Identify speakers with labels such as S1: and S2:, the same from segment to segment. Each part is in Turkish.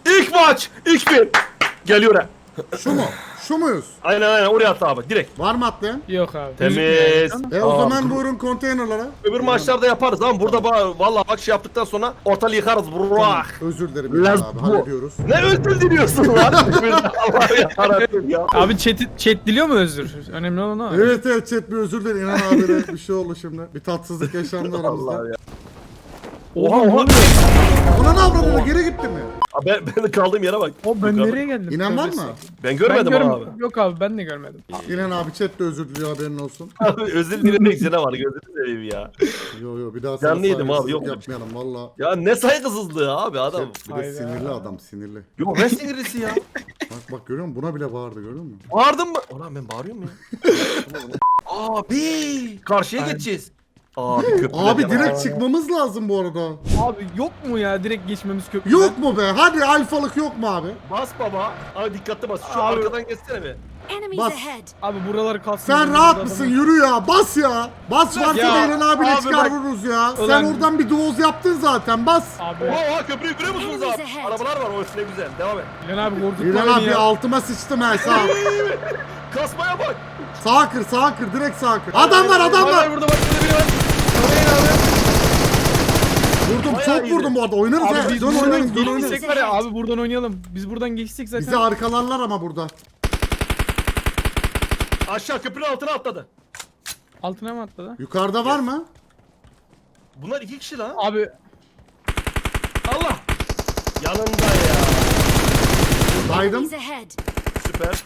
S1: İlk maç. 2-1. Geliyor ha.
S2: Şu mu? Şu muyuz?
S1: Aynen oraya at abi direkt.
S2: Var mı atlayan?
S3: Yok abi.
S1: Temiz.
S3: Gözükmüyor.
S2: O
S1: Aa,
S2: zaman buyurun konteynerlara.
S1: Öbür maçlarda yaparız ama burada vallahi bak şey yaptıktan sonra ortalığı yıkarız. Burak.
S2: Özür dilerim
S1: Let's
S2: abi,
S1: go.
S2: hallediyoruz.
S1: Ne özür diliyorsun lan? Allah yarabbim ya.
S3: Abi chat diliyor mu özür? Önemli olan o.
S2: Evet chat bir özür dilerim. İnan abine bir şey oldu şimdi. Bir tatsızlık yaşandı
S1: Allah
S2: aramızda.
S1: ya.
S3: Oha
S1: Oha.
S3: oha.
S2: Ona ne yapmadın? Geri gittin mi?
S1: Abi ben kaldığım yere bak.
S3: O ben
S1: Yukarı.
S3: nereye geldim?
S2: İnan var
S3: Tövbe
S2: mı?
S3: estağfurullah.
S1: Ben görmedim abi.
S3: Yok abi ben de görmedim.
S2: İnan abi chat de özür diliyor, haberin olsun.
S1: Abi özür dilemek ne var gözünü seveyim ya.
S2: Yo bir daha sana
S1: Canlı yedim abi,
S2: saygısızlık
S1: yok.
S2: yapmayalım valla.
S1: Ya ne saygısızlığı abi adam.
S2: Bir de
S3: Hayda.
S2: sinirli adam, sinirli.
S1: Yok ne sinirlisi ya.
S2: Bak görüyor musun? Buna bile bağırdı, görüyor musun?
S1: Bağırdın mı? Ulan ben bağırıyorum ya. Abi karşıya geçeceğiz. Abi köprüden
S2: Abi
S1: yana.
S2: direkt çıkmamız lazım bu arada.
S3: Abi yok mu ya direkt geçmemiz köprüden?
S2: Yok mu be? Hadi alfalık yok mu abi?
S1: Bas baba. Abi dikkatli bas. Şu
S3: Abi.
S1: arkadan geçsene be.
S4: Enemies
S2: Bas.
S4: ahead.
S3: Abi buraları kalsın.
S2: Sen
S3: Burada
S2: rahat
S3: adam-
S2: mısın? Yürü ya. Bas ya. Bas varsa
S3: Ya,
S2: da İlhan abiyle
S3: abi
S2: çıkar
S3: bak-
S2: vururuz ya. Sen
S3: Ulan-
S2: oradan bir doğuz yaptın zaten. Bas.
S3: Abi
S1: Oha köprüyü görüyor musunuz
S4: Enemies
S1: abi?
S4: ahead.
S1: Arabalar var o üstüne güzel. Devam et.
S3: İlhan abi korkutma
S2: İlhan
S3: beni
S2: abi
S3: ya.
S2: altıma sıçtım ha.
S1: Kasmaya bak.
S2: Sağa kır. Direkt sağa kır. Adam var.
S3: Abi burada bak burada biri var.
S2: Vurdum.
S1: Bayağı
S2: Çok
S1: iyiydi.
S2: vurdum bu arada. Oynarız
S3: Abi
S2: ha.
S3: biz
S2: Dön
S3: buradan
S2: oynarız.
S3: geçsek var ya abi buradan oynayalım. Biz buradan geçsek zaten.
S2: Bizi arkalarlar ama burada.
S1: Aşağı köprünün altına atladı.
S3: Altına mı atladı?
S2: Yukarıda var mı?
S1: Bunlar 2 kişi lan.
S3: Abi
S1: Allah. Yanında ya.
S2: Baydım.
S4: Enemies ahead.
S1: Süper.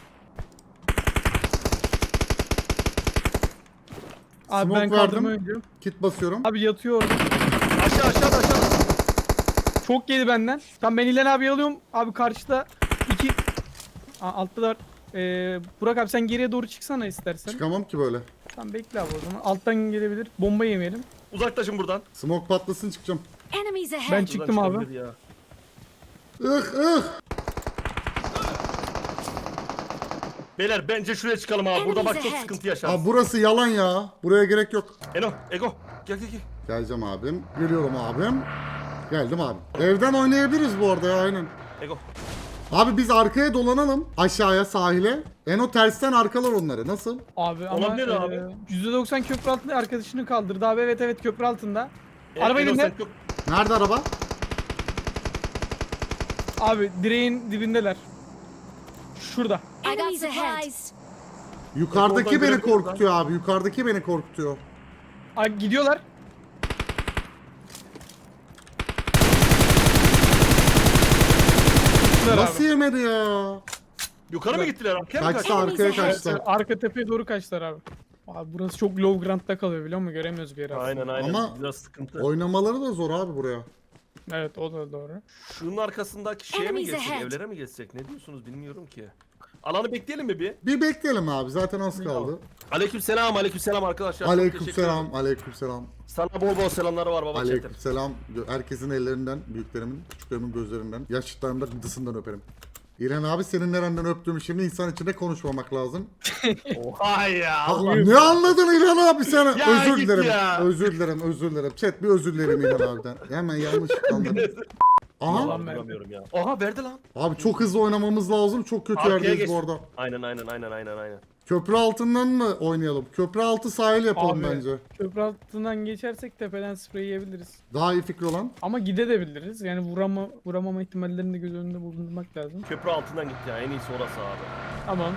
S3: abi
S2: Smoke
S3: ben
S2: verdim.
S3: kaldırma oynuyorum.
S2: Kit basıyorum.
S3: Abi yatıyor orada.
S1: Aşağı.
S3: Çok yedi benden. Tamam ben İlhan abi alıyorum. Abi karşıda iki... Altta da var. Burak abi sen geriye doğru çıksana istersen.
S2: Çıkamam ki böyle.
S3: Tamam bekle abi o zaman. Alttan gelebilir. Bomba yemeyelim.
S1: Uzaklaşın buradan.
S2: Smoke patlasın çıkacağım.
S4: Enemies ahead.
S3: Ben çıktım
S1: Buradan
S3: abi.
S1: çıkabilir ya. Beyler bence şuraya çıkalım abi. Burada bak çok
S4: Enemies
S1: sıkıntı yaşarız.
S2: Abi burası yalan ya. Buraya gerek yok.
S1: Ego. Gel.
S2: Geleceğim abim. Geliyorum abim. Geldim abi. Evden oynayabiliriz bu arada ya, aynen.
S1: Ego.
S2: Abi biz arkaya dolanalım. Aşağıya, sahile. Eno tersten arkalar onları. Nasıl?
S3: Abi ama
S1: Olabilir abi.
S3: %90 köprü altında arkadaşını kaldırdı abi. Evet köprü altında. Araba
S1: Ego,
S3: elinde.
S1: sen çok-
S2: Nerede araba?
S3: Abi direğin dibindeler. Şurada.
S4: Enemies ahead.
S2: Yukarıdaki
S1: Oradan
S2: beni
S1: görebilirim
S2: korkutuyor abi. Yukarıdaki beni korkutuyor.
S3: Abi gidiyorlar. Gittiler
S2: Nasıl
S3: abi.
S2: yemedi ya?
S1: Yukarı mı gittiler abi? Gel
S2: Kaçtı,
S1: kaç.
S2: arkaya kaçtı.
S3: Arka tepeye doğru kaçtılar abi. Abi burası çok low ground'da kalıyor biliyor musun? Göremiyoruz bir yere aslında.
S1: Aynen.
S2: Ama
S1: Biraz sıkıntı.
S2: Oynamaları da zor abi buraya.
S3: Evet o da doğru.
S1: Şunun arkasındaki şeye mi
S4: Enemies
S1: geçsek,
S4: ahead.
S1: evlere mi geçsek? Ne diyorsunuz bilmiyorum ki. Alanı bekleyelim mi bir?
S2: Bir bekleyelim abi. Zaten az kaldı.
S1: Aleykümselam arkadaşlar. Çok teşekkür
S2: Aleykümselam.
S1: ederim.
S2: Aleykümselam.
S1: Sana bol selamları var baba chatim.
S2: Aleykümselam. Herkesin ellerinden, büyüklerimin, küçüklerimin gözlerinden, yaşlılarımın da gıdısından öperim. İlhan abi senin nereden öptüğümü şimdi insan içinde konuşmamak lazım.
S1: Oha ya.
S2: Allah, ne anladın İlhan abi sen?
S1: Ya
S2: Özür
S1: git
S2: dilerim.
S1: ya.
S2: Özür dilerim. Chat bir özür dilerim İlhan abiden. Hemen yanlış anladım. Aha.
S1: Allah'ım duramıyorum ya. Aha verdi lan.
S2: Abi çok hızlı oynamamız lazım. Çok kötü
S1: Arkaya
S2: yerdeyiz
S1: geç.
S2: bu arada.
S1: Aynen.
S2: Köprü altından mı oynayalım? Köprü altı sahil yapalım
S3: Abi.
S2: bence.
S3: Köprü altından geçersek tepeden sprey yiyebiliriz.
S2: Daha iyi fikir olan.
S3: Ama gidebiliriz. Yani vuramama ihtimallerini de göz önünde bulundurmak lazım.
S1: Köprü altından gitti ya. En iyisi orası abi.
S3: Tamam.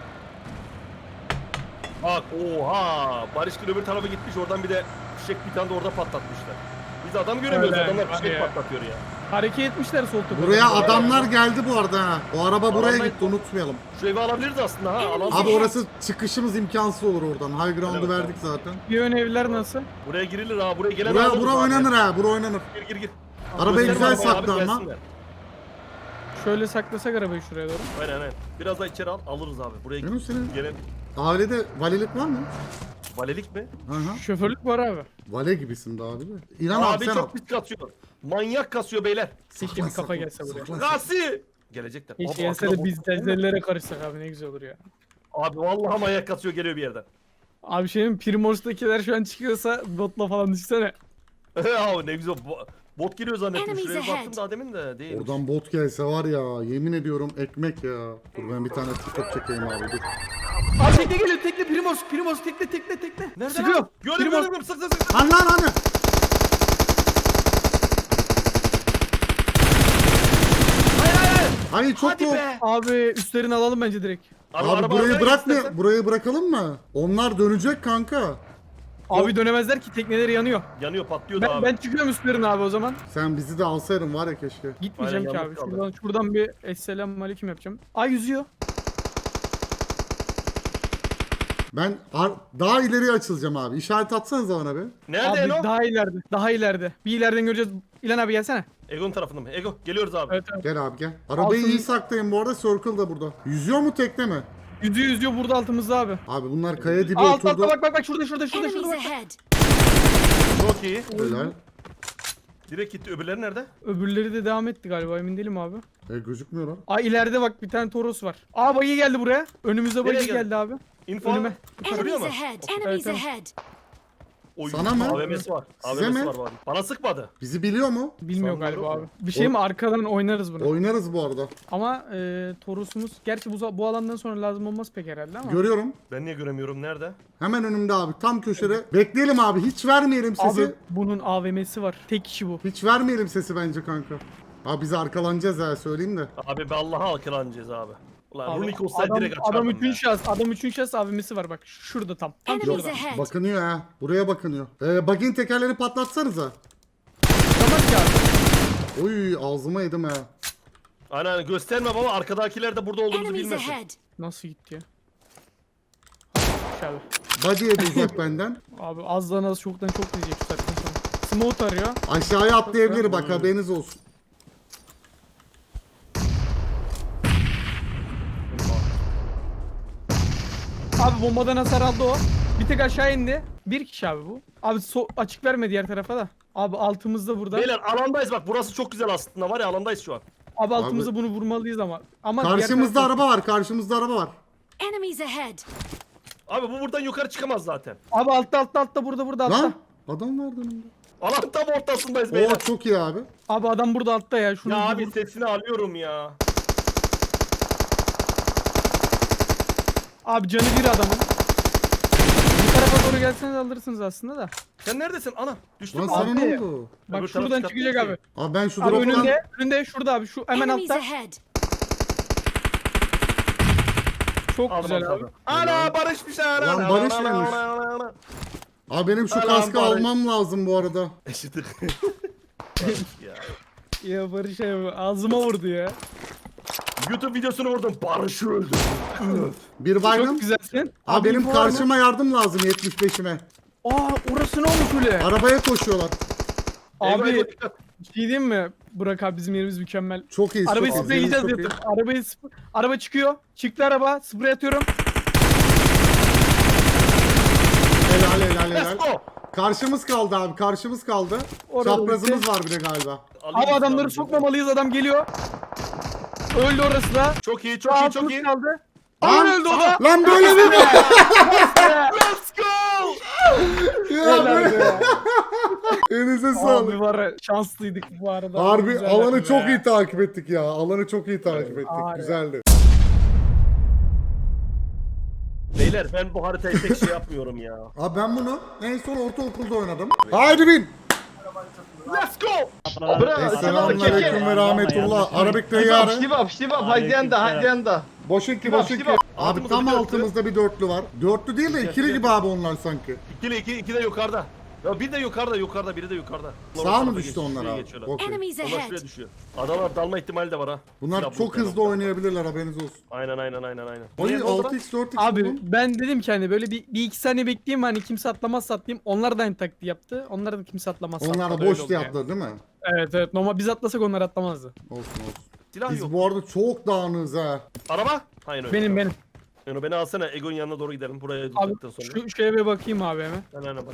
S1: Bak oha. Barışkın öbür tarafa gitmiş. Oradan bir de fişek bir tane de orada patlatmışlar. Biz adam göremiyoruz.
S3: Öyle,
S1: Adamlar
S3: var
S1: fişek
S3: ya.
S1: patlatıyor ya.
S3: Hareket etmişler sol tepeden.
S2: Buraya adamlar geldi bu arada ha. O araba buraya
S1: Adamlar-
S2: gitti, unutmayalım.
S1: Şu evi alabiliriz aslında ha. Alan
S2: Abi orası çıkışımız imkansız olur oradan. High ground'u
S1: Evet,
S2: verdik zaten.
S3: Bir ön evler nasıl?
S1: buraya girilir ha. Buraya gelen
S2: Bura
S1: alırız abi.
S2: oynanır ha. Bura oynanır.
S1: Gir.
S2: Arabayı
S1: Gösterim
S2: güzel
S1: arabayı abi,
S2: sakla ama.
S1: gelsinler.
S3: Şöyle saklasak arabayı şuraya doğru.
S1: Aynen. Biraz daha içeri alırız abi. Buraya
S2: Yunus senin
S1: gelen
S2: ailede valilik var mı?
S1: valelik mi?
S2: Hı hı.
S3: Şoförlük var abi.
S2: Vale gibisin de abi de. İnan abi
S1: Abi
S2: sen al.
S1: çok pis kasıyor. Manyak kasıyor beyler.
S3: Keşke bir kafa gelse buraya.
S1: Gasi! Gelecekler.
S3: Keşke
S1: Abi,
S3: gelse
S1: arkada
S3: de biz
S1: bot-
S3: tezlere karışsak abi ne güzel olur ya.
S1: Abi vallahi manyak kasıyor geliyor bir yerden.
S3: Abi şeyin Primors'takiler şu an çıkıyorsa botla falan düşsene.
S1: Abi ne güzel. Bot geliyor zannettim.
S4: Enemies
S1: Şuraya bir
S4: ahead.
S1: baktım daha demin de değil.
S2: Oradan bot gelse var ya, yemin ediyorum ekmek ya. Dur ben bir tane TikTok çekeyim abi, dur.
S3: Abi tekne geliyor, tekne Primos tekne.
S1: Nerede
S3: Sıkıyor.
S1: lan? Gördüm
S3: Primos.
S1: gördüm. Sık.
S2: Lan hani. Hayır çok
S1: Hadi
S2: yok.
S1: be.
S3: Abi üstlerini alalım bence direkt.
S2: Abi burayı bırakma, burayı bırakalım mı? Onlar dönecek kanka.
S3: Abi dönemezler ki, tekneleri yanıyor.
S1: Yanıyor patlıyor da abi.
S3: Ben çıkıyorum üstlerine abi o zaman.
S2: Sen bizi de alsaydın var ya keşke.
S3: Gitmeyeceğim
S1: Aynen,
S3: ki abi.
S1: yalnız kaldı.
S3: Şuradan bir esselamu aleyküm yapacağım. Ay yüzüyor.
S2: Ben daha ileriye açılacağım abi. İşaret atsanıza bana bir.
S1: Nerede
S3: Abi
S1: Eno?
S3: daha ileride. Bir ileriden göreceğiz. İlan abi gelsene.
S1: Ego'nun tarafında mı? Ego geliyoruz abi.
S3: Evet evet.
S2: Gel abi gel. Arabayı
S3: Altın-
S2: iyi saklayın bu arada. Circle da burada. Yüzüyor mu tekne mi?
S3: Yüzüyor burada altımızda abi.
S2: Abi bunlar kaya dibi
S3: Aa, altta
S2: oturdu.
S3: bak şurada
S4: Enemies
S3: bak.
S4: ahead.
S1: Çok iyi.
S2: Helal.
S1: Direkt gitti. Öbürleri nerede?
S3: Öbürleri de devam etti galiba, emin değilim abi.
S2: Gözükmüyor lan.
S3: Aa ileride bak bir tane Toros var. Aa bayı geldi buraya. Önümüzde bayı
S1: Nereye geldi?
S3: geldi abi.
S1: Info.
S3: Önüme.
S1: Şuraya
S4: Enemies
S1: mı?
S4: ahead.
S1: Okey.
S4: Enemies
S3: Evet,
S4: ahead.
S1: Oy,
S2: Sana mı?
S1: AVM'si var.
S2: Size
S1: AVM'si
S2: mi?
S1: var bari. Bana sıkmadı.
S2: Bizi biliyor mu?
S3: Bilmiyor
S1: Sanmıyorum.
S3: galiba abi. Bir şey mi, arkadan oynarız bunu.
S2: Oynarız bu arada.
S3: Ama Toros'umuz gerçi bu alandan sonra lazım olmaz pek herhalde ama.
S2: Görüyorum.
S1: Ben niye göremiyorum? Nerede?
S2: Hemen önümde abi. Tam köşede. Bekleyelim abi. Hiç vermeyelim sesi.
S3: Abi bunun AVM'si var. Tek kişi bu.
S2: Hiç vermeyelim sesi bence kanka. Abi biz arkalanacağız ha, söyleyeyim de.
S1: Abi be Allah'a alkılanacağız abi. Ulan
S3: Abi,
S1: Runik olsaydı direkt açardım
S3: adam
S1: ya.
S3: üçün şahıs AVM'si var bak. Şurada tam.
S4: Enemies
S3: şurada.
S4: ahead.
S2: Bakınıyor ha. Buraya bakınıyor. Bug'in tekerlerini patlatsanıza.
S3: Tamam ki abi.
S2: Oy ağzıma yedim ha.
S1: Aynen gösterme baba. Arkadakiler de burada olduğumuzu
S4: Enemies
S1: bilmesin.
S4: ahead.
S3: Nasıl gitti ya? Abi.
S2: Body'ye de uzak benden.
S3: Abi azdan az çoktan çok diyecek şu saatten sonra. Smoke arıyor.
S2: Aşağıya atlayabilir bak, haberiniz olsun.
S3: Abi bombadan hasar aldı o. Bir tek aşağı indi. Bir kişi abi bu. Abi açık verme diğer tarafa da. Abi altımızda burada.
S1: Beyler alandayız bak. Burası çok güzel aslında var ya, alandayız şu an.
S3: Abi altımızda bunu vurmalıyız ama. Ama diğer
S2: Karşımızda
S3: tarafta-
S2: araba var. Karşımızda araba var.
S4: Enemies ahead.
S1: Abi bu buradan yukarı çıkamaz zaten.
S3: Abi altta burada altta.
S2: Lan adam vardı önümde.
S1: Alan tam ortasındayız
S2: Oo
S1: beyler.
S2: çok iyi abi.
S3: Abi adam burada altta ya. Şunu
S1: Ya
S3: bir
S1: abi
S3: vur.
S1: sesini alıyorum ya.
S3: Abi canı bir adamın. Bu tarafa doğru gelseniz alırsınız aslında da.
S1: Sen neredesin? Ana düştün
S2: Lan
S1: mü?
S2: sana ne
S3: Abi.
S2: oldu?
S3: Bak
S1: Öbür
S3: şuradan
S1: taraf
S3: çıkacak
S1: çıkartmıyor
S3: abi.
S2: Abi ben şu
S3: Abi
S2: drop'tan...
S3: önünde şurada abi, şu hemen
S4: Enemies
S3: altta.
S4: ahead.
S3: Çok
S1: Aldım
S3: güzel abi.
S1: tabii. Ana Barış'mış ana.
S2: Lan Barış vermiş. Abi benim şu
S1: Lan
S2: kaskı
S1: bari.
S2: almam lazım bu arada.
S1: Eşitlik. Ya.
S3: Ya Barış abi ağzıma vurdu ya.
S1: YouTube videosunu vurdum. Barış'ı öldürdüm.
S2: Bir baygın.
S3: Çok güzelsin.
S2: Abi benim
S3: info var mı?
S2: karşıma yardım lazım 75'ime.
S3: Aa orası ne olmuş öyle?
S2: Arabaya koşuyorlar.
S1: Ego,
S3: Abi
S1: Ego, dikkat.
S3: bir şey diyeyim mi? Burak abi bizim yerimiz mükemmel.
S2: Çok iyi.
S3: Arabayı
S2: çok iyi.
S3: spreyleyeceğiz
S2: Çok iyi.
S3: yatıp. Araba çıkıyor. Çıktı araba. Sprey atıyorum.
S2: Helal.
S1: Let's go.
S2: Karşımız kaldı abi, karşımız kaldı.
S3: Orada
S2: Çaprazımız
S3: bitti.
S2: var bir de galiba.
S1: Alayım
S3: Abi adamları
S1: abi.
S3: sokmamalıyız, adam geliyor. Öldü orası da.
S1: Çok iyi, çok iyi, çok
S3: Altımız
S1: iyi.
S3: kaldı.
S2: Lan,
S3: Aman öldü o da.
S2: lan böyle mi?
S1: Let's go.
S2: Ya
S3: Helal
S2: be.
S3: be.
S2: Elinize sağlık.
S3: Abi var ya, şanslıydık bu arada.
S2: Harbi
S3: Güzel
S2: alanı
S3: yaptı
S2: çok
S3: be.
S2: iyi takip ettik ya. Alanı çok iyi takip ettik.
S3: Harbi.
S2: Güzeldi.
S1: Beyler ben bu haritayı tek şey yapmıyorum ya.
S2: Abi ben bunu en son ortaokulda oynadım. Haydi bin.
S1: Let's go.
S2: Selamünaleyküm ve rahmetullah. Arabik teyyarı.
S5: Şivap, haydi yanda.
S2: Boşun ki.
S5: Şivap.
S2: Abi tam
S1: Altımızda bir
S2: altımızda bir dörtlü var. Dörtlü değil de ikili gibi abi onlar sanki.
S1: İki de yukarıda. Ya bir de yukarıda, biri de yukarıda.
S2: Sağa mı düştü onlar
S1: Şuraya
S2: abi?
S1: geçiyorlar.
S2: Okey.
S4: Enemies
S1: Onlar
S4: ahead.
S1: şuraya düşüyor. Adamlar dalma ihtimali de var ha.
S2: Bunlar
S1: Silah
S2: çok
S1: bulutları.
S2: hızlı oynayabilirler, haberiniz olsun.
S1: Aynen.
S2: Oy
S1: Niye, ne oldu lan?
S2: 6x 4x
S3: Abi
S2: buldum.
S3: ben dedim ki hani böyle bir iki saniye bekleyeyim, hani kimse atlamazsa atlayayım. Onlar da aynı taktiği yaptı. Onlar da kimse atlamazsa
S2: Onlar
S3: atladı,
S2: da
S3: öyle
S2: boş
S3: oldu yani.
S2: yaptılar değil mi?
S3: Evet normal biz atlasak onlar atlamazdı.
S2: Olsun.
S1: Silah
S2: Biz
S1: yok.
S2: bu arada çok dağınığız ha.
S1: Araba? Hayır öyle.
S3: Benim.
S1: Yani beni alsana, Ego'nun yanına doğru gidelim. Buraya
S3: Abi
S1: tuttuktan sonra.
S3: şu eve bakayım abi hemen.
S1: Aynen bak.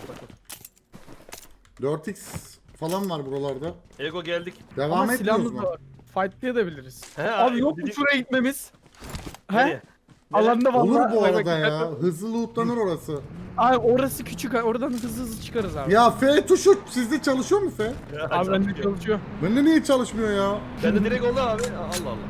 S2: 4x falan var buralarda.
S1: Ego geldik.
S2: Devam
S3: Ama
S2: etmiyoruz
S3: silahımız
S2: mu?
S3: da var. Fightlayabiliriz.
S1: He,
S3: Abi yok mu
S1: dedik-
S3: şuraya gitmemiz?
S1: Nereye?
S3: He? Alanda vallahi.
S2: Olur bu
S3: Bak,
S2: arada
S3: bak,
S2: ya.
S3: bak.
S2: Hızlı lootlanır orası.
S3: Abi orası küçük. Oradan hızlı hızlı çıkarız abi.
S2: Ya F tuşu sizde çalışıyor mu F?
S3: Abi bende çalışıyor.
S2: Bende niye çalışmıyor ya?
S1: Bende direkt oldu abi. Allah Allah.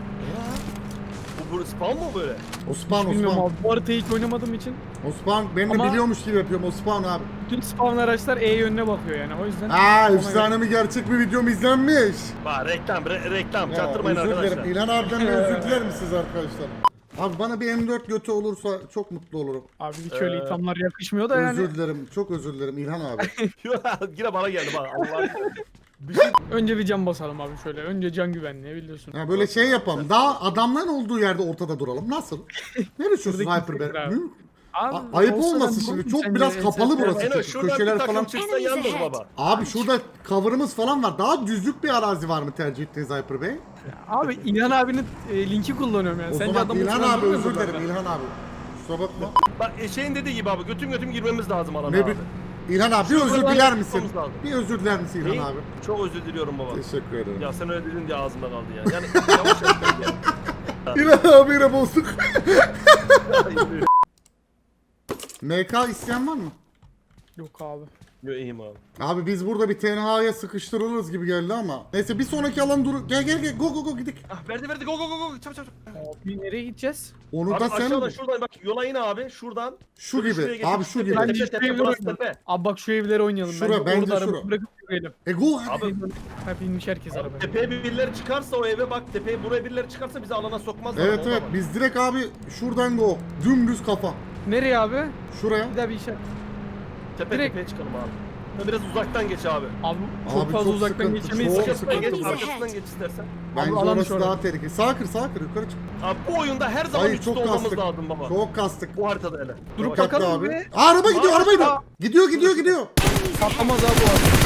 S1: Bu spawn mu böyle?
S2: Osman
S3: Bilmiyorum
S2: Osman.
S3: abi. Bu haritayı hiç oynamadığım için
S2: Osman ben de
S3: Ama-
S2: biliyormuş gibi yapıyorum Osman abi.
S3: bütün spawn araçlar E yönüne bakıyor yani. O yüzden
S2: Aa
S3: ona
S2: efsane mi gerçek bir videom izlenmiş.
S1: Bak reklam.
S2: Ya,
S1: Çaktırmayın
S2: özür
S1: arkadaşlar.
S2: dilerim. İlhan abiden de özür diler misiniz arkadaşlar? Abi bana bir M4 götü olursa çok mutlu olurum.
S3: Abi hiç öyle ithamlar yakışmıyor da yani.
S2: Özür dilerim. Çok özür dilerim İlhan abi.
S1: Yine bana geldi bak Allah'ım. Bir şey
S3: Önce bir can basalım abi şöyle. Önce can güvenliği biliyorsun.
S2: Ya böyle şey yapalım. Daha adamların olduğu yerde ortada duralım. Nasıl? Ne düşünüyorsun
S3: Şuradaki
S2: Hyper
S3: fikir
S2: Bear?
S3: abi.
S2: Hı?
S3: Abi,
S2: Ayıp
S3: olsa
S2: olmasın
S3: ben
S2: şimdi.
S3: bulurum
S2: Çok
S3: sence
S2: biraz kapalı
S3: ensesine
S2: burası.
S3: bak.
S1: Eno şurada
S2: Köşeler
S1: bir takım
S2: falan.
S1: çıksa
S4: Enemies
S1: yandır
S4: ahead.
S1: baba.
S2: Abi şurada cover'ımız falan var. Daha düzlük bir arazi var mı tercih ettiğiniz Hyper Bey?
S3: Abi İlhan abinin linki kullanıyorum yani.
S2: O
S3: Sence
S2: zaman
S3: adamı
S2: İlhan
S3: uçuran
S2: abi
S3: durmuyor
S2: özür
S3: mu
S2: dilerim
S3: kanka?
S2: İlhan abi. Kusura bakma.
S1: Bak şeyin dediği gibi abi götüm girmemiz lazım alana
S2: Ne
S1: abi.
S2: bir İlhan abi bir özür
S1: Şuradan
S2: diler misin?
S1: yapmamız lazım.
S2: Bir özür diler misin
S1: Neyi?
S2: İlhan abi?
S1: Çok özür diliyorum baba.
S2: Teşekkür ederim.
S1: Ya sen öyle dedin diye ağzımda kaldı ya. Yani yavaş yavaş ya.
S2: İlhan abi yine bozduk. MK isteyen var mı?
S3: Yok abi.
S1: Yo iyiyim abi.
S2: Abi biz burada bir tenhaya sıkıştırılırız gibi geldi ama. Neyse bir sonraki alan dur. Gel go gidik.
S1: Ah verdi go çabuk.
S3: Abi nereye gideceğiz?
S2: Onu
S1: Abi
S2: da sen
S1: aşağıdan şuradan bak yola in abi şuradan.
S2: Şu
S1: Şöyle
S2: gibi.
S1: şuraya geç,
S2: Abi şu gibi.
S3: Ben-
S1: Tepe tepe burası tepe.
S3: Abi bak şu evlere oynayalım.
S2: Şura, bence
S3: orada
S2: şura.
S3: araba bırakıp yürüyelim.
S2: Go
S1: Abi
S3: Hep inmiş herkes arabaya.
S1: tepeye birileri çıkarsa o eve bak tepeye buraya birileri çıkarsa bizi alana sokmazlar.
S2: Evet
S1: Ondan
S2: evet
S1: bak.
S2: biz direkt abi şuradan go. Dümdüz kafa.
S3: Nereye abi?
S2: Şuraya.
S3: Bir daha bir işaret.
S1: Tepe
S3: direkt-
S1: tepeye çıkalım abi. Ha, biraz uzaktan geç abi.
S3: Abi çok
S2: Abi
S3: fazla
S2: çok
S3: uzaktan
S2: sıkıntı,
S3: geçemeyiz.
S2: çok
S1: Arkasından geç,
S4: Enemies
S1: arkasından
S4: ahead.
S1: geç istersen.
S2: Bence
S3: alan
S2: orası
S3: şu
S2: daha
S3: orada.
S2: tehlikeli. Sağ kır yukarı çık.
S1: Abi bu oyunda her zaman
S2: Ay
S1: üstte
S2: çok
S1: olmamız
S2: kastık.
S1: lazım baba.
S2: Çok kastık.
S1: Bu haritada hele.
S3: Durup
S1: Bak,
S2: Dikkatli
S3: bakalım
S2: abi.
S3: be.
S2: Aa, araba gidiyor
S3: Aa,
S2: araba gidiyor.
S3: aa.
S2: Gidiyor.
S3: Patlamaz abi bu arada.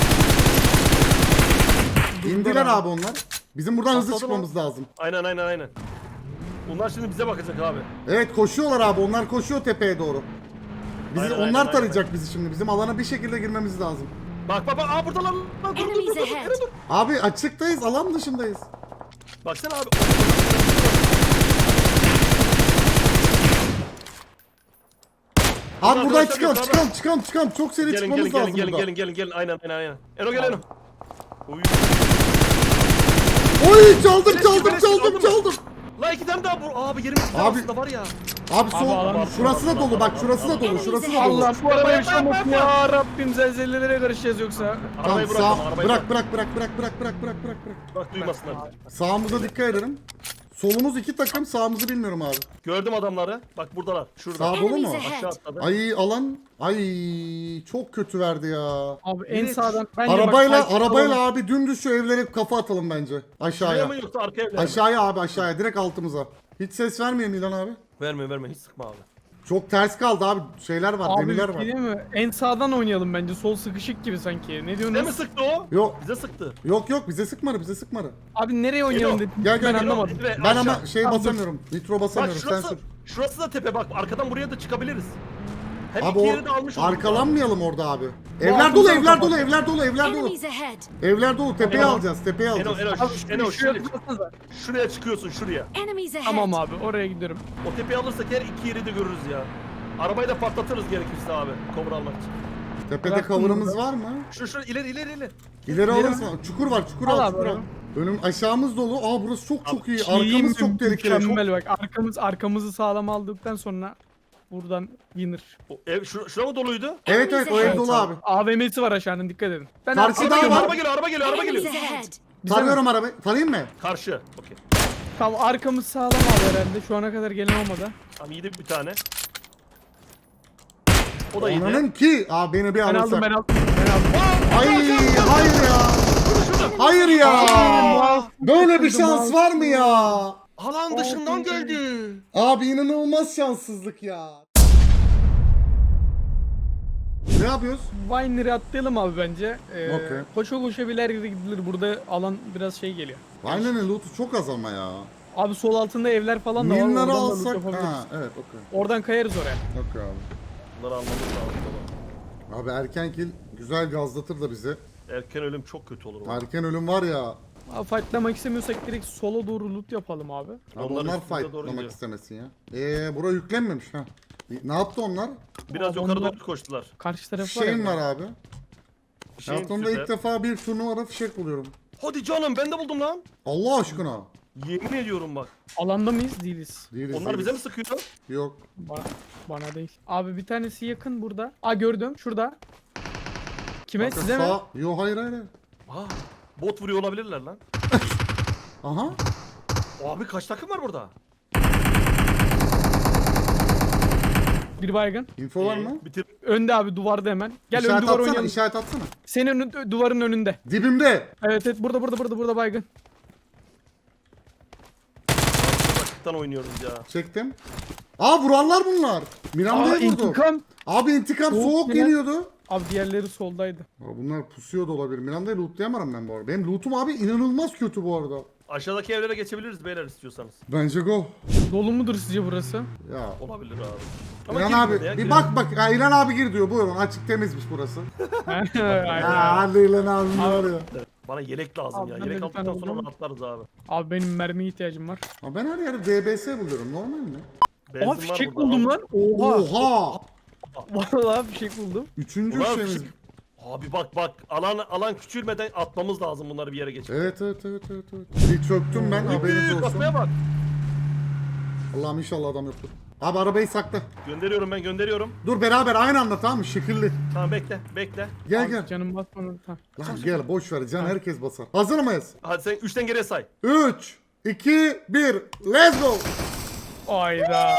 S2: İndiler abi onlar. Bizim buradan hızlı
S1: Patladı
S2: çıkmamız lazım.
S1: Aynen. Bunlar şimdi bize bakacak abi.
S2: Evet koşuyorlar abi. Onlar koşuyor tepeye doğru. Bizi
S1: Aynen,
S2: onlar
S1: aynen,
S2: tarayacak bizi şimdi. Bizim alana bir şekilde girmemiz lazım.
S1: Bak aa buradalar lan. Dur.
S4: Enemies ahead.
S2: Abi açıktayız, alan dışındayız.
S1: Baksana abi.
S2: Abi buradan
S1: arkadaşlar yukarıda.
S2: çıkalım. Çok seri çıkmamız lazım buradan.
S1: Gelin. Aynen. Eno gel Eno. Oy.
S2: Oy çaldım.
S1: La iki tane daha vur. Abi yerimiz güzel
S2: Abi-
S1: aslında var ya.
S2: Abi sol
S3: alan-
S2: şurası da dolu bak şurası da dolu şurası da dolu.
S3: Allah bu araba
S1: Yapma,
S3: yaşamasın
S1: yapma.
S3: ya Rabbim zelzelelere karışacağız yoksa.
S2: Tamam
S1: Arabayı
S2: sağ
S1: bırak. Arabayı
S2: bırak
S1: bırak.
S2: bırak.
S1: Bak duymasınlar.
S2: Sağımıza dikkat edelim. Solumuz iki takım sağımızı bilmiyorum abi.
S1: Gördüm adamları. Bak buradalar. Şurada.
S2: Sağ dolu mu?
S4: Enemies
S1: Aşağı
S4: ahead.
S1: atladı.
S2: Ay alan ay çok kötü verdi ya.
S3: Abi en
S1: Evet.
S3: sağdan. Bence
S2: Arabayla
S3: bak,
S2: arabayla abi dümdüz şu evlere kafa atalım bence.
S1: Şuraya
S2: Aşağıya.
S1: mı yoksa arkaya mı?
S2: Aşağıya abi aşağıya direkt altımıza. Hiç ses vermeyelim İlhan abi.
S1: Verme. Hiç sıkma abi.
S2: Çok ters kaldı abi. Şeyler var,
S3: Abi
S2: demirler
S3: bir
S2: var.
S3: şey değil mi? En sağdan oynayalım bence. Sol sıkışık gibi sanki. Ne
S1: Ne mi
S3: diyorsunuz?
S1: sıktı o?
S2: Yok.
S1: Bize sıktı.
S2: Yok bize sıkmadı.
S3: Abi nereye oynayalım
S1: Geliyor.
S3: dedim.
S2: Gel,
S3: Ben
S2: gel.
S3: anlamadım.
S1: Ve
S2: Ben
S1: aşağı.
S2: ama şey
S3: Tamam,
S2: basamıyorum. Nitro
S1: Bak
S2: basamıyorum. Sen
S1: şurası,
S2: sür.
S1: şurası da tepe bak. Arkadan buraya da çıkabiliriz. Hem
S2: Abi
S1: iki yeri de almış
S2: o
S1: olduk.
S2: arkalanmayalım orada abi. Evler dolu,
S3: altımızdan
S2: evler
S3: kapat.
S2: dolu, evler dolu.
S4: Enemies ahead.
S2: Evler dolu. Tepeye
S1: Eno.
S2: alacağız. Tepeye
S1: Eno,
S2: alacağız.
S1: Eno,
S3: Şuraya
S1: şuraya,
S3: tıklatsanıza.
S1: şuraya çıkıyorsun şuraya.
S4: Enemies ahead.
S3: Tamam abi oraya gidiyorum.
S1: O tepeyi alırsak her iki yeri de görürüz ya. Arabayı da patlatırız gerekirse abi. Kobra almak için.
S2: Tepede
S3: Bıraktım
S2: cover'ımız
S3: burada.
S2: var mı?
S1: Şu ileri.
S2: İleri alırsın. Çukur var, çukur
S3: Al
S2: al,
S3: abi,
S2: çukur al.
S3: abi.
S2: Önüm aşağımız dolu. Aa burası çok iyi.
S3: Şeyim
S2: Arkamız çok tehlikeli.
S3: Mükemmel bak. Arkamızı sağlam aldıktan sonra buradan winner.
S1: O ev şura mı doluydu?
S2: Evet o ev dolu abi.
S3: AVM'si var aşağının dikkat edin. Ben
S2: Karşıda
S3: arkamı-
S2: var.
S1: Araba geliyor.
S4: Enemies ahead.
S2: Tanıyorum arabayı. Tanıyayım mı?
S1: Karşı. Okey.
S3: Tamam arkamız sağlam abi herhalde. Şu ana kadar gelen olmadı.
S1: Tamam yedi bir tane. O da yedi.
S2: Onanın ki. Aa beni bir
S3: Ben aldım
S2: alırsak.
S3: ben aldım.
S2: Ay hayır ya. Hayır ya. Böyle bir şans var mı ya?
S1: Alan dışından geldi.
S2: Abi inanılmaz şanssızlık ya. Ne yapıyoruz?
S3: Winer'ı atlayalım abi bence.
S2: Okey.
S3: Koşa koşa bir ileri gidilir. Burada alan biraz şey geliyor.
S2: Aynen loot'u çok az ama ya.
S3: Abi sol altında evler falan da var.
S2: Minları
S3: Oradan da loot
S2: alsak.
S3: yapabiliriz.
S2: Ha evet okey.
S3: Oradan kayarız oraya.
S2: Okey abi.
S1: Bunları almamız lazım baba.
S2: Abi erken kill güzel gazlatır da bizi.
S1: Erken ölüm çok kötü olur. baba.
S2: Erken ölüm var ya.
S3: Abi fightlamak istemiyorsak direkt sola doğru loot yapalım abi.
S2: Abi
S1: Onlar
S2: onlar
S1: üstümüze doğru
S2: fightlamak
S1: gidiyor.
S2: istemesin ya. Bura yüklenmemiş ha. Ne yaptı onlar?
S1: Biraz
S3: Abi
S1: yukarı
S3: onlar-
S1: doğru koştular.
S3: Karşı tarafı var
S2: Şeyim
S3: ya.
S2: var abi.
S1: Şeyin
S2: Hayatımda
S1: süper.
S2: ilk defa bir turnuvada fişek buluyorum.
S1: Hadi canım ben de buldum lan.
S2: Allah aşkına.
S1: Yemin ediyorum bak.
S3: Alanda mıyız? Değiliz.
S2: Değiliz,
S1: Onlar
S2: değiliz.
S1: bize mi sıkıyor?
S2: Yok.
S3: Bana değil. Abi bir tanesi yakın burada. Aa gördüm. Şurada. Kime?
S2: Kanka
S3: Size mi?
S2: sağ... Yo hayır hayır.
S1: Aa, bot vuruyor olabilirler lan.
S2: Aha.
S1: Abi kaç takım var burada?
S3: Bir baygın.
S2: Info var mı?
S1: Bitir.
S3: Önde abi duvarda hemen. Gel ön
S2: İşaret
S3: duvar
S2: atsana,
S3: oynayalım.
S2: işaret atsana.
S3: Senin duvarın önünde.
S2: Dibimde.
S3: Evet evet burada baygın.
S1: Başlıktan oynuyoruz ya.
S2: Çektim. Aa vurarlar bunlar. Miranda'yı vurdu.
S3: intikam.
S2: Abi intikam
S3: Soğuk
S2: soğuk
S3: Miran-
S2: geliyordu.
S3: Abi diğerleri soldaydı.
S2: Aa, bunlar pusuyor da olabilir. Miranda'yı lootlayamadım ben bu arada. Benim lootum abi inanılmaz kötü bu arada.
S1: Aşağıdaki evlere geçebiliriz beyler istiyorsanız.
S2: Bence go.
S3: Dolu mudur sizce burası?
S2: Ya.
S1: Olabilir abi.
S2: İlhan
S1: girme
S2: abi
S1: ya,
S2: bir
S1: girme.
S2: bak bak. Ya, İlhan abi gir diyor. Buyurun açık temizmiş burası.
S3: Aynen.
S2: Ya hadi İlhan abi var ya.
S1: Bana yelek lazım
S3: Abi
S1: ya.
S3: ben de
S1: Yelek
S3: bir
S1: aldıktan
S3: tane
S1: sonra
S3: buldum.
S1: rahatlarız abi.
S3: Abi benim mermiye ihtiyacım var.
S2: Ama ben her yerde DBS buluyorum. Normal mi?
S1: Benzin
S3: Aa
S1: var
S3: fişek
S1: burada.
S3: buldum lan. Oha.
S2: Oha.
S3: Vallahi fişek buldum.
S2: Üçüncü
S1: Ulan
S2: şeyimiz.
S1: fişek- Abi bak alan küçülmeden atmamız lazım bunları bir yere geçip.
S2: Evet. Bir çöktüm ben haberiniz olsun.
S1: Kasmaya bak.
S2: Allah'ım inşallah adam yoktur. Abi arabayı sakla.
S1: Gönderiyorum.
S2: Dur beraber aynı anda tamam mı? Şekilli.
S1: Tamam bekle.
S2: Gel
S3: Abi
S2: gel.
S3: Canım basmadı. Tamam.
S2: Lan gel boş ver can herkes basar. Hazır mıyız?
S1: Hadi sen 3'ten geriye say.
S2: 3, 2, 1, let's go.
S3: Ayda.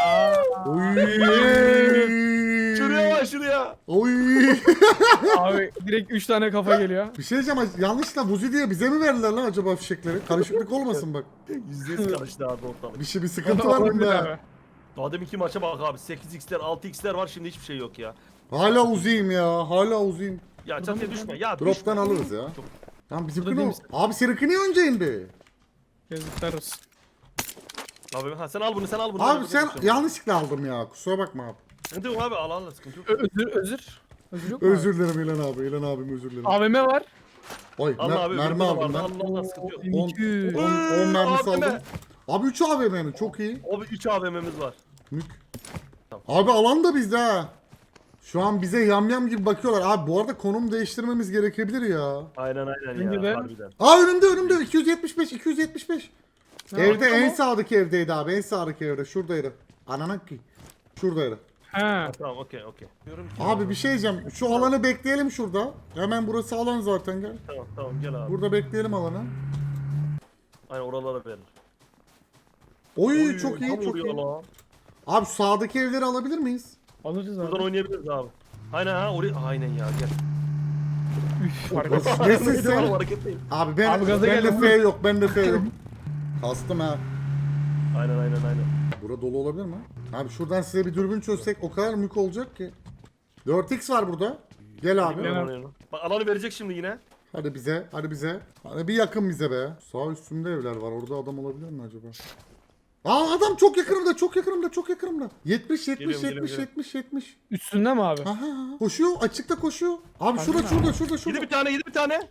S2: Oy.
S1: Şuraya.
S2: Oy.
S3: Abi direkt 3 tane kafa geliyor.
S2: Bir şey diyeceğim yanlışla Buzi diye bize mi verdiler lan acaba fişekleri? Karışıklık olmasın bak.
S1: %100 karıştı abi ortalık.
S2: Bir sıkıntı var
S3: Olabilir
S2: bunda.
S3: abi.
S1: Daha deminki maça bak abi 8x'ler 6x'ler var şimdi hiçbir şey yok ya.
S2: Hala uzayım ya. Hala uzayım.
S1: Ya çatıya düşme ya.
S2: Drop'tan
S1: düşme.
S2: alırız ya. Tamam bizimki
S3: Burada
S2: ne
S3: değil
S2: o? Abi seninki niye önce indi?
S3: Yazıklar olsun.
S1: Abi sen al bunu.
S2: Abi sen yanlışlıkla aldım ya. Kusura bakma abi.
S1: Sıkıntı yok abi al sıkıntı yok.
S3: Özür yok mu abi?
S2: Özür dilerim İlhan abi. İlhan abim özür dilerim.
S3: AVM var.
S2: Oy
S1: Allah abi
S2: mermi aldım ben.
S1: Allah sıkıntı yok.
S2: 10
S3: 200.
S2: mermisi
S1: AVM.
S2: aldım. Abi 3 AVM mi? Çok iyi.
S1: Abi 3 AVM'miz var.
S2: Mük. Abi alan da bizde ha. Şu an bize yamyam gibi bakıyorlar. Abi bu arada konum değiştirmemiz gerekebilir ya.
S1: Aynen
S3: Bence
S1: ya
S3: de.
S1: harbiden.
S2: Aa önümde 275.
S3: Ne
S2: Evde
S3: yaptın
S2: en
S3: o?
S2: sağdaki evdeydi abi. En sağdaki evde. Şuradaydı. Ananak ki. Şuradaydı.
S3: Ha.
S1: Tamam okey. Diyorum ki
S2: Abi bir şey diyeceğim. Şu alanı bekleyelim şurada. Hemen burası alan zaten gel.
S1: tamam gel abi.
S2: Burada bekleyelim alanı.
S1: Aynen oralara verir.
S2: Oy çok iyi
S1: tam
S2: çok
S1: vuruyor
S2: iyi.
S1: lan.
S2: Abi şu sağdaki evleri alabilir miyiz?
S3: Alırız abi.
S1: Buradan oynayabiliriz abi. Aynen ha oraya aynen ya gel.
S3: Üf, harika.
S2: Nesin
S1: Neydi
S2: sen?
S1: oğlum, hareketliyim.
S2: Abi ben
S3: Abi gaza
S2: bende
S3: geldim.
S2: F yok. Bende F yok. Kastım ha.
S1: Aynen.
S2: Bura dolu olabilir mi? Abi şuradan size bir dürbün çözsek o kadar mük olacak ki. 4x var burada. Gel abi.
S3: Gel.
S1: Bak alanı verecek şimdi yine.
S2: Hadi bize. Hadi bir yakın bize be. Sağ üstümde evler var. Orada adam olabilir mi acaba? Aa adam çok yakınımda. 70.
S1: Geliyorum.
S3: Üstünde mi abi?
S2: Aha. Koşuyor. Açıkta koşuyor. Abi
S3: Harbiden
S2: şurada.
S1: Yedi bir tane.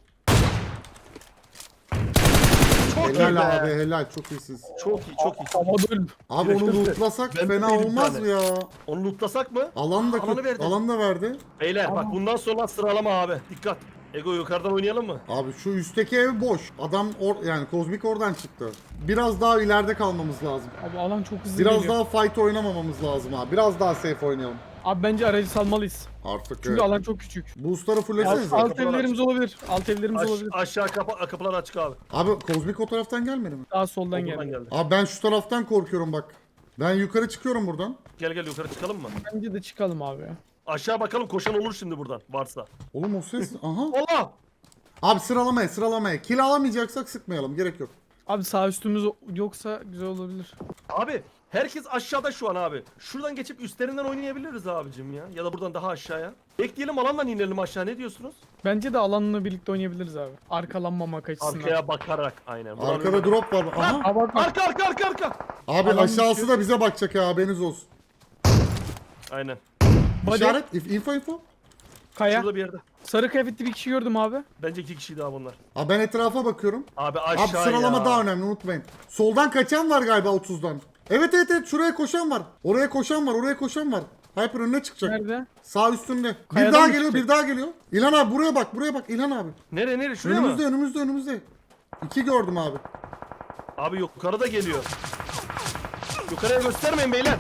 S1: Çok iyi be.
S2: Helal abi helal. Çok iyisiniz.
S1: Çok iyi.
S3: Havada öldüm.
S2: Abi onu lootlasak
S1: Ben de
S2: fena
S1: bir
S2: olmaz
S1: tane.
S2: mı ya?
S1: Onu lootlasak mı?
S2: Alan da
S1: Alanı verdi.
S2: alan da verdi.
S1: Beyler bak bundan sonra sıralama abi. Dikkat. Ego yukarıdan oynayalım mı?
S2: Abi şu üstteki ev boş. Adam yani kozmik oradan çıktı. Biraz daha ileride kalmamız lazım.
S3: Abi alan çok hızlı
S2: Biraz
S3: geliyor.
S2: daha fight oynamamamız lazım abi. Biraz daha safe oynayalım.
S3: Abi bence aracı salmalıyız.
S2: Artık
S3: Çünkü
S2: evet.
S3: alan çok küçük.
S2: Boostları fullesenize.
S3: Alt evlerimiz olabilir. Alt evlerimiz olabilir.
S1: Aşağı kapılar açık abi.
S2: Abi kozmik o taraftan gelmedi mi?
S3: Daha soldan
S1: Buradan
S3: geldi.
S1: geldi.
S2: Abi ben şu taraftan korkuyorum bak. Ben yukarı çıkıyorum buradan.
S1: Gel yukarı çıkalım mı?
S3: Bence de çıkalım abi ya.
S1: Aşağı bakalım koşan olur şimdi buradan varsa.
S2: Oğlum o ses aha.
S1: Allah!
S2: Abi sıralamaya. Kill alamayacaksak sıkmayalım. Gerek yok.
S3: Abi sağ üstümüz yoksa güzel olabilir.
S1: Abi herkes aşağıda şu an abi. Şuradan geçip üstlerinden oynayabiliriz abicim ya. Ya da buradan daha aşağıya. Bekleyelim alandan inelim aşağı ne diyorsunuz?
S3: Bence de alanla birlikte oynayabiliriz abi. Arkalanmamak açısından.
S1: Arkaya bakarak aynen. Buradan
S2: Arkada
S1: öyle-
S2: drop var. Aha.
S3: Aa, bak, bak.
S1: Arka.
S2: Abi
S3: Alan
S2: aşağısı
S3: düşüyor.
S2: da bize bakacak ya haberiniz olsun.
S1: Aynen.
S3: Body,
S2: İşaret info.
S3: kaya.
S1: Şurada bir yerde.
S3: Sarı kıyafetli bir kişi gördüm abi.
S1: Bence 2 kişi daha bunlar.
S2: Abi ben etrafa bakıyorum.
S1: Abi aşağı
S2: Abi sıralama
S1: ya.
S2: daha önemli unutmayın. Soldan kaçan var galiba 30'dan. Evet şuraya koşan var. Oraya koşan var. Hyper önüne çıkacak.
S3: Nerede?
S2: Sağ üstünde. Bir
S3: Kayadan
S2: daha
S3: mı
S2: geliyor,
S3: çıkacak?
S2: bir daha geliyor. İlhan abi buraya bak, buraya bak İlhan abi.
S1: Nereye şuraya
S2: Önümüzde,
S1: mı?
S2: önümüzde. 2 gördüm abi.
S1: Abi yukarıda geliyor. Yukarıya göstermeyin beyler.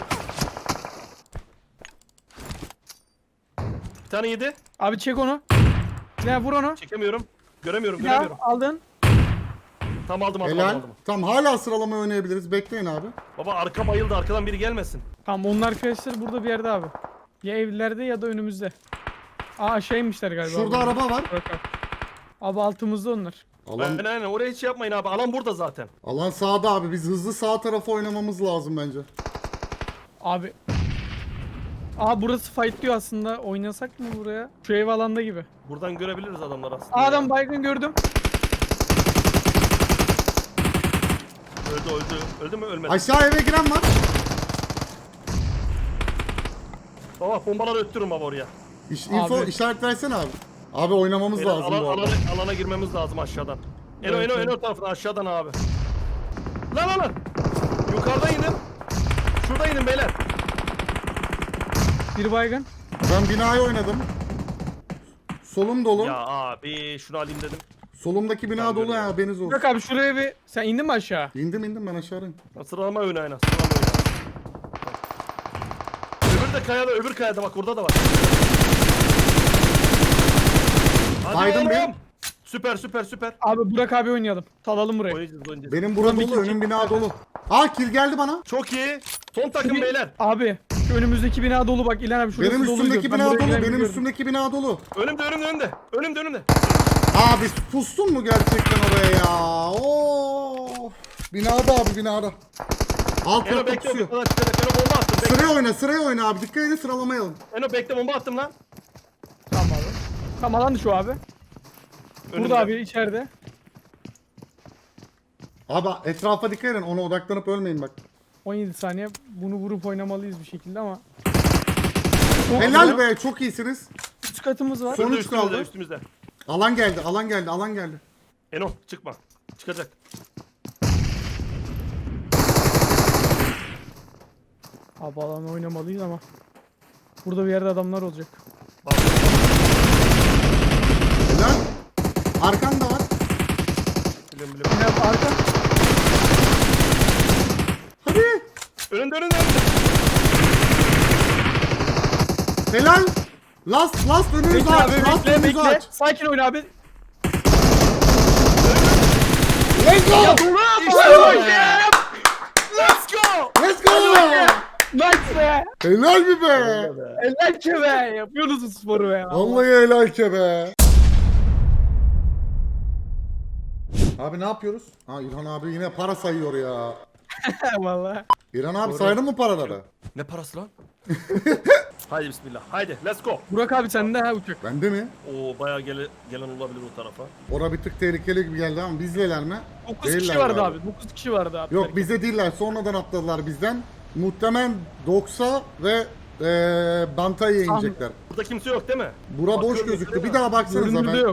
S1: Bir tane yedi.
S3: Abi çek onu. Ne vur onu.
S1: Çekemiyorum. Göremiyorum
S3: Bir daha
S1: göremiyorum.
S3: aldın.
S1: Tam aldım
S2: Helal. Tamam hala sıralama oynayabiliriz. Bekleyin abi.
S1: Baba arka bayıldı, arkadan biri gelmesin.
S3: Tamam onun arkadaşları burada bir yerde abi. Ya evlerde ya da önümüzde. Aa aşağı inmişler galiba.
S2: Şurada
S3: abi.
S2: araba var.
S3: Bak abi. Abi altımızda onlar.
S2: Alan,
S1: Aynen oraya hiç yapmayın abi. Alan burada zaten.
S2: alan sağda abi. Biz hızlı sağ tarafa oynamamız lazım bence.
S3: Abi. Aa burası fight diyor aslında. Oynasak mı buraya? Şu ev alanda gibi.
S1: Buradan görebiliriz adamlar aslında.
S3: Aa, adam
S1: ya.
S3: baygın gördüm.
S1: Öldü. Öldü mü? Ölmedi.
S2: Aşağı eve giren var.
S1: Baba bombaları öttürün baba oraya.
S2: Info
S3: Abi.
S2: işaret versene abi. Abi oynamamız
S1: Beyler,
S2: lazım bu arada.
S1: alana girmemiz lazım aşağıdan. Eno
S3: Evet, evet.
S1: Eno tarafından aşağıdan abi. Lan. Yukarıda inin. Şurada inin beyler.
S3: Bir baygın.
S2: Ben binayı oynadım. Solum dolu.
S1: Ya abi şunu alayım dedim.
S2: Solumdaki bina
S1: Ben
S2: dolu
S1: görüyorum.
S2: ya, haberiniz olsun.
S3: Bak abi şuraya bir... Sen indin mi aşağı?
S2: İndim ben aşağıdayım.
S1: Sıralama oyunu aynen. Sıralama oyunu. Öbür de kayada, öbür kayada bak orada da var. Hadi
S2: Baydım
S1: oğlum.
S2: bir.
S1: Süper.
S3: Abi Burak abi oynayalım. Talalım burayı.
S1: Oynayacağız.
S2: Benim bura
S3: Tabii
S2: dolu,
S3: ki.
S2: önüm bina dolu. Aa kill geldi bana.
S1: Çok iyi. Son takım
S3: Bir-
S1: beyler.
S3: Abi şu önümüzdeki bina dolu bak İlhan abi şurası
S2: Benim
S3: dolu
S2: üstümdeki
S3: diyor. Ben
S2: bina
S3: buraya
S2: dolu,
S3: giren
S2: benim
S3: biliyorum.
S2: üstümdeki bina dolu.
S1: Önümde.
S2: Abi pustun mu gerçekten oraya ya? Oo. Binada abi binada. Alt
S1: Eno
S2: katta
S1: bekle.
S2: pusuyor.
S1: Eno bomba attım. Bekle.
S2: Sıraya oyna abi. Dikkat edin sıralamayalım.
S1: Eno bekle bomba attım lan.
S3: Tamam abi. Tamam alan şu abi.
S1: Önümde.
S3: Burada abi içeride.
S2: Abi etrafa dikkat edin. Ona odaklanıp ölmeyin bak.
S3: 17 saniye. Bunu vurup oynamalıyız bir şekilde ama.
S2: Helal be, çok iyisiniz.
S3: Üst katımız var.
S2: Son
S1: Önümüzde,
S2: üç kaldı.
S1: Üstümüzde.
S2: Alan geldi.
S1: Eno çıkma. Çıkacak.
S3: Abi alanı oynamalıyız ama. Burada bir yerde adamlar olacak.
S1: Bak.
S2: Helal. Arkanda var.
S1: Biliyorum.
S3: Yine arka.
S2: Hadi.
S1: Önünde.
S2: Helal. Last önünüzü
S3: Bekle
S2: aç.
S3: abi
S2: Last
S3: bekle
S2: önünüzü
S3: bekle.
S2: aç.
S3: Sakin oyna abi.
S2: Let's go.
S1: İşte bu ya. Let's go.
S2: Let's go.
S3: Nice be.
S2: Helal mi be?
S3: Eller ki be. Yapıyorsunuz bu sporu be.
S2: Vallahi helal ki be. Abi ne yapıyoruz? Ha İlhan abi yine para sayıyor ya.
S3: Vallahi.
S2: İlhan abi saydın mı paraları?
S1: Ne parası lan? Haydi bismillah. Haydi let's go.
S3: Burak abi sende ha uçak.
S2: Bende mi?
S1: Oo bayağı gelen olabilir o tarafa.
S2: Ora bir tık tehlikeli gibi geldi ama bizdeler mi?
S3: 9
S2: Değiller
S3: kişi vardı
S2: galiba.
S3: abi. 9 kişi vardı abi.
S2: Yok bize değiller. Sonradan atladılar bizden. Muhtemelen Doksa ve Bantay'a inecekler.
S1: Burada kimse yok değil mi?
S2: Bura boş
S1: Bakıyorum,
S2: gözüktü.
S1: değil
S2: Bir
S1: mi?
S2: daha baksanıza
S3: Görünürde
S2: ben.
S3: yok.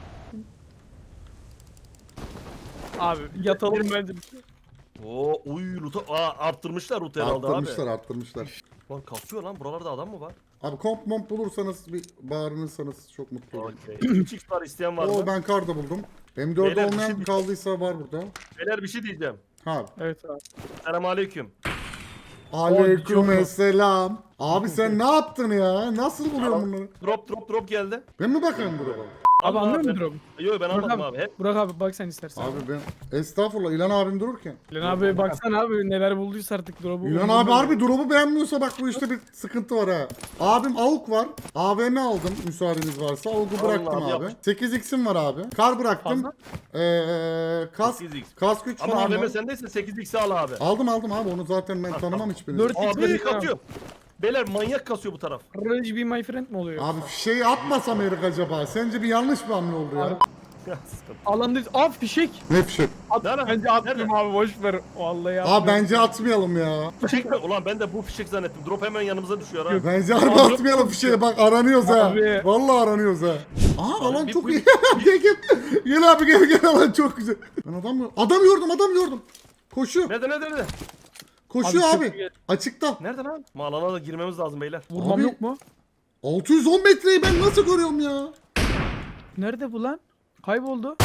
S3: Abi yatalım bence.
S1: Oo loot'u arttırmışlar loot'u herhalde abi.
S2: Arttırmışlar.
S1: Lan kasıyor lan buralarda adam mı var?
S2: Abi komp momp bulursanız bir bağırırsanız çok mutlu olurum.
S1: Okey. 3x var isteyen var
S2: Oo
S1: mı?
S2: ben kar da buldum. M4
S1: Beyler, bir şey
S2: olmayan
S1: diyeceğim.
S2: kaldıysa var burada.
S1: Beyler bir şey diyeceğim.
S2: Ha.
S3: Evet abi.
S1: Selamünaleyküm.
S2: Aleykümselam. Abi sen ne yaptın ya? Nasıl buluyorsun bunları?
S1: Drop geldi.
S2: Ben mi bakayım buraya?
S3: Abi
S1: Allah
S3: anlıyor
S1: ben-
S3: musun Drop'u?
S1: Yok ben
S3: Burak
S1: anladım
S3: abi.
S1: abi. Hep
S3: Burak abi bak sen istersen.
S2: Abi ben estağfurullah İlhan abim dururken.
S3: İlhan abi baksana abi neler bulduysa artık Drop'u.
S2: İlhan abi harbi drop'u beğenmiyorsa bak bu işte bir sıkıntı var ha. Abim AUK var. AVM aldım müsaadeniz varsa. AUK'u bıraktım
S1: Allah,
S2: abi.
S1: yap.
S2: 8x'im var abi. Kar bıraktım. Kask
S1: 8x.
S2: kask güç
S1: Ama
S2: falan
S1: AVM
S2: var.
S1: sendeyse 8x al abi.
S2: Aldım abi onu zaten ben tanımam hiçbirini.
S3: 4
S1: Abi
S3: x
S1: bir katıyor. Beyler manyak kasıyor bu taraf.
S3: Rage be my friend mi oluyor?
S2: Abi şey atmasam herif acaba. Sence bir yanlış bir hamle oldu ya.
S3: Harbi.
S1: Ya, sıkıntı.
S3: Alandayız. Aa fişek.
S2: Ne fişek?
S1: Nerede?
S3: Bence atmayayım abi boş ver. Vallahi
S2: Abi bence atmayalım ya.
S1: Fişek mi? Ulan ben de bu fişek zannettim. Drop hemen yanımıza düşüyor ha.
S2: Bence harbi atmayalım fişeğe bak aranıyoruz ha.
S3: Abi.
S2: Vallahi aranıyoruz ha. Aha alan
S1: bir-
S2: çok
S1: bu-
S2: iyi. gel. Gel abi gel alan çok güzel. Ben adam gördüm. Koşuyor.
S1: Nerede?
S2: Koşuyor
S3: Abi
S2: abi.
S3: çok iyi.
S2: Açıkta.
S1: Nerede lan? Alana da girmemiz lazım beyler.
S3: Vurmam
S2: Abi-
S3: yok mu?
S2: 610 metreyi ben nasıl görüyorum ya?
S3: Nerede bu lan? Kayboldu.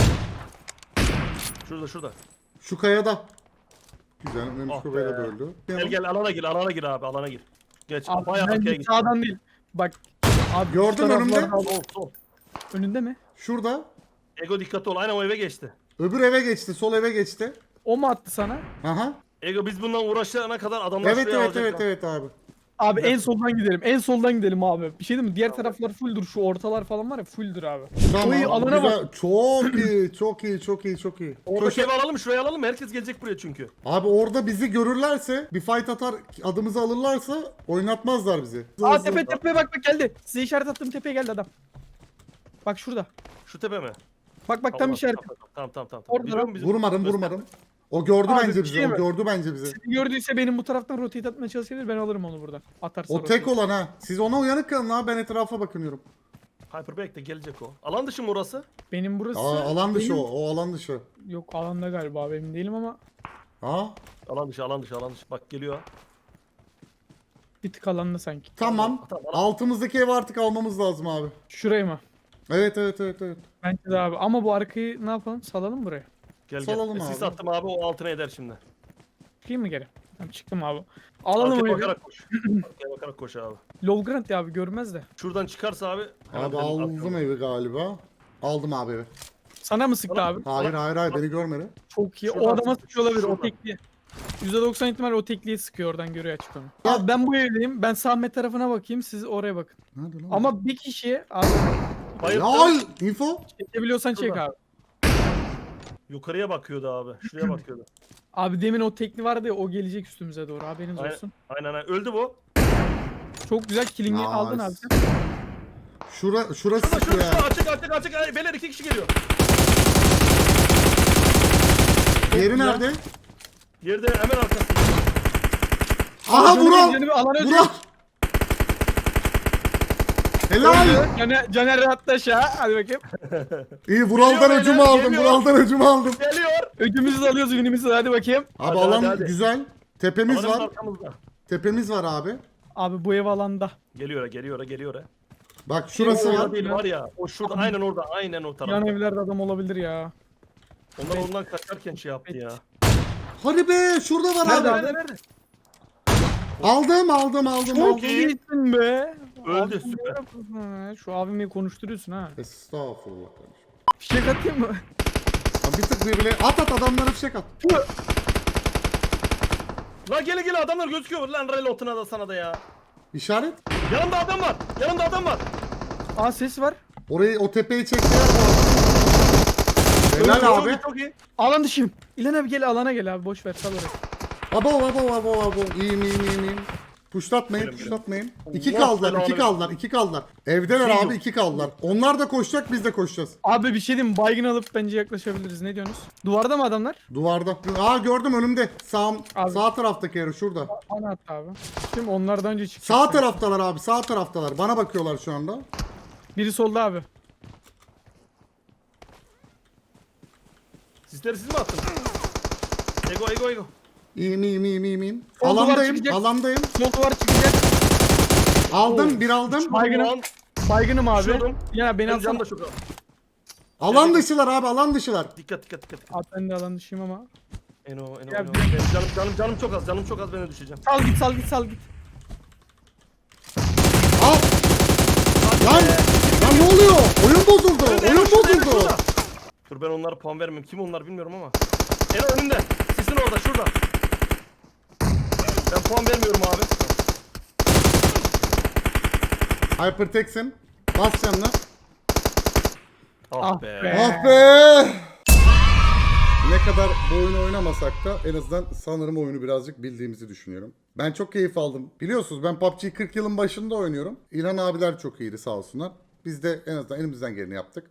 S1: Şurada.
S2: Şu kayada. Güzel. Memiş
S1: Ah
S2: Koba'yla
S1: be.
S2: da öldü.
S1: Gel alana gir abi alana gir. Geç.
S3: Abi
S1: Bayağı arkaya
S3: bence
S1: git.
S3: sağdan değil. Bak. Abi
S2: Gördün
S3: şu taraflarda-
S2: önümde.
S1: Sol.
S3: Önünde mi?
S2: Şurada.
S1: Ego dikkatli ol. Aynen o eve geçti.
S2: Öbür eve geçti. Sol eve geçti.
S3: O mu attı sana?
S2: Aha.
S1: Ego biz bundan uğraşana kadar adamlar
S2: Evet
S1: şuraya
S2: evet
S1: alacaklar.
S2: evet evet abi.
S3: Abi en soldan gidelim. En soldan gidelim abi. Bir şey değil mi? Diğer taraflar fulldur. Şu ortalar falan var ya fulldur abi.
S2: Tamam.
S3: Oy, alana
S2: güzel. Çok iyi. Çok iyi. Çok iyi. Çok iyi.
S1: Oradaki evi alalım şuraya alalım. Herkes gelecek buraya çünkü.
S2: Abi orada bizi görürlerse bir fight atar adımızı alırlarsa oynatmazlar bizi.
S3: Aa tepe bak geldi. Size işaret attığım tepeye geldi adam. Bak şurada.
S1: Şu tepe mi?
S3: Bak tam
S1: Allah,
S3: işaret.
S1: Tamam.
S3: Orada
S1: Biliyor
S3: lan.
S1: musun bizim-
S2: Vurmadım. O gördü
S3: Abi,
S2: bence
S3: bir
S2: bizi.
S3: şey
S2: O
S3: mi?
S2: gördü bence bizi.
S3: Seni gördüyse benim bu taraftan rotate atmaya çalışabilir. Ben alırım onu buradan. Atarsa
S2: O tek
S3: rotate.
S2: olan ha. Siz ona uyanık kalın ha. Ben etrafa bakınıyorum.
S1: Hyperback de gelecek o. Alan dışı mı orası?
S3: Benim burası.
S2: Alan dışı
S3: benim-
S2: o. O alan dışı.
S3: Yok alanda galiba emin değilim ama
S2: Ha?
S1: Alan dışı. Bak geliyor.
S3: bir tık alanda sanki.
S2: Tamam.
S1: Tamam.
S2: Altımızdaki evi artık almamız lazım abi.
S3: Şurayı mı?
S2: Evet.
S3: Bence de abi. Ama bu arkayı ne yapalım? Salalım buraya.
S1: Gel.
S2: Salalım
S1: Sis
S2: abi.
S1: attım abi o altına eder şimdi.
S3: Çıkayım mı geri? Tamam çıktım abi. Alalım
S1: Arkaya
S3: o evi.
S1: bakarak koş. Arkaya bakarak koş abi.
S3: Lolgrant ya abi görmez de.
S1: Şuradan çıkarsa abi. hemen
S2: Abi
S1: benim
S2: aldım
S1: arkama.
S2: evi galiba. Aldım abi evi.
S3: Sana mı sıktı abi?
S2: Hayır beni görmedi.
S3: Çok iyi.
S1: Şuradan
S3: O adama
S1: sıktı,
S3: sıkıyor olabilir. O
S1: şuradan.
S3: tekliği. %90 ihtimal o tekliği sıkıyor oradan görüyor açık onu.
S2: Ya-
S3: Abi ben bu evdeyim. Ben Sahmet tarafına bakayım. Siz oraya bakın.
S2: Nerede lan?
S3: Ama bir kişiye abi
S1: Bayıldı.
S2: Lol! Info?
S3: çekebiliyorsan çek
S1: Şurada.
S3: abi.
S1: Yukarıya bakıyordu abi. Şuraya bakıyordu.
S3: Abi demin o tekli vardı ya o gelecek üstümüze doğru. Haberiniz
S1: Aynen.
S3: olsun.
S1: Aynen. Öldü bu.
S3: Çok güzel killing'i
S2: Nice.
S3: aldın abi sen.
S2: Şurası
S1: Şurada
S2: sıkıyor ya.
S1: açık. Ay, beyler 2 kişi geliyor.
S2: Diğeri
S3: güzel.
S2: nerede?
S1: Yerde hemen arkasında.
S2: Aha
S3: Canı
S2: Vural!
S3: bir, canı bir, alana öldü.
S2: Vural! Helal!
S3: Caner rahatla aşağı. Hadi bakayım.
S2: İyi Vural'dan
S1: Geliyor
S2: öcümü
S1: beyler,
S2: aldım.
S1: geliyor.
S2: Vural'dan öcümü aldım.
S1: Geliyor.
S3: Ödümüzü de alıyoruz günümüzü de hadi bakayım.
S2: Abi
S1: Hadi,
S2: alan
S1: hadi.
S2: güzel. Tepemiz
S1: Alanın
S2: var.
S1: arkamızda.
S2: Tepemiz var abi.
S3: Abi bu ev alanda.
S1: Geliyor.
S2: Bak şurası
S3: Şey,
S2: var.
S1: Orada değil var ya. O şurada aynen orada. Aynen o
S3: Yan
S1: tarafta.
S3: evlerde adam olabilir ya.
S1: Onlar ondan kaçarken şey yaptı ya.
S2: Hadi be şurada var
S3: Nerede
S2: abi.
S3: abi?
S1: Nerede?
S2: Aldım.
S3: Çok
S1: iyi.
S3: iyisin be.
S1: Öldü,
S3: Abi,
S1: süper.
S3: ne yapıyorsun ha? Şu abimi konuşturuyorsun ha.
S2: Estağfurullah kardeşim.
S3: Fişek atayım mı?
S2: Abi bir tık birbirine at adamlara fişek at.
S1: La gele adamlar gözüküyor lan relotuna da sana da ya.
S2: İşaret.
S1: Yanımda adam var.
S3: Aa ses var.
S2: Orayı o tepeyi çektiler bu arada. Helal
S1: Çok
S2: abi.
S1: iyi, çok iyi.
S3: Alan dışıyım. İlan abi gel alana gel abi boş ver sal orayı.
S2: Abo. İyiyim. Puşlatmayın. İki kaldılar. Evdeler
S1: Şey
S2: abi
S1: yok.
S2: 2 kaldılar. Onlar da koşacak biz de koşacağız.
S3: Abi bir şey diyeyim mi? Baygın alıp bence yaklaşabiliriz. Ne diyorsunuz? Duvarda mı adamlar?
S2: Duvarda. Aa gördüm önümde.
S3: Abi.
S2: Sağ taraftaki yeri şurada.
S3: Bana at abi. Şimdi onlardan önce çıkacak.
S2: Sağ taraftalar abi sağ taraftalar. Bana bakıyorlar şu anda.
S3: Biri solda abi.
S1: Sizleri siz mi attınız? Ego.
S2: İyiyim.
S3: Sol duvar
S2: Alandayım.
S3: çıkacak.
S2: Alandayım.
S3: Sol duvar çıkacak.
S2: Bir aldım.
S3: Baygınım. Baygınım abi.
S1: Düşürdüm.
S3: Ya beni
S1: Benim
S3: alsana.
S1: canım da çok az.
S2: Alan dışılar abi alan dışılar.
S1: Dikkat.
S3: Abi ben de alan dışıyım ama.
S1: Eno.
S3: Ya,
S1: Benim canım çok az. Canım çok az ben de düşeceğim.
S3: Sal git.
S2: Al. Lan ne oluyor? Oyun bozuldu.
S1: Şurada. Dur ben onlara puan vermem. Kim onlar bilmiyorum ama. Eno önünde. Sisin orada şurada. Ben puan vermiyorum abi.
S2: Hypertex'im. Bas canına.
S1: Ah be.
S2: Ah be! Ne kadar bu oyunu oynamasak da en azından sanırım oyunu birazcık bildiğimizi düşünüyorum. Ben çok keyif aldım. Biliyorsunuz ben PUBG'yi 40 yılın başında oynuyorum. İlhan abiler çok iyiydi sağ olsunlar. Biz de en azından elimizden geleni yaptık.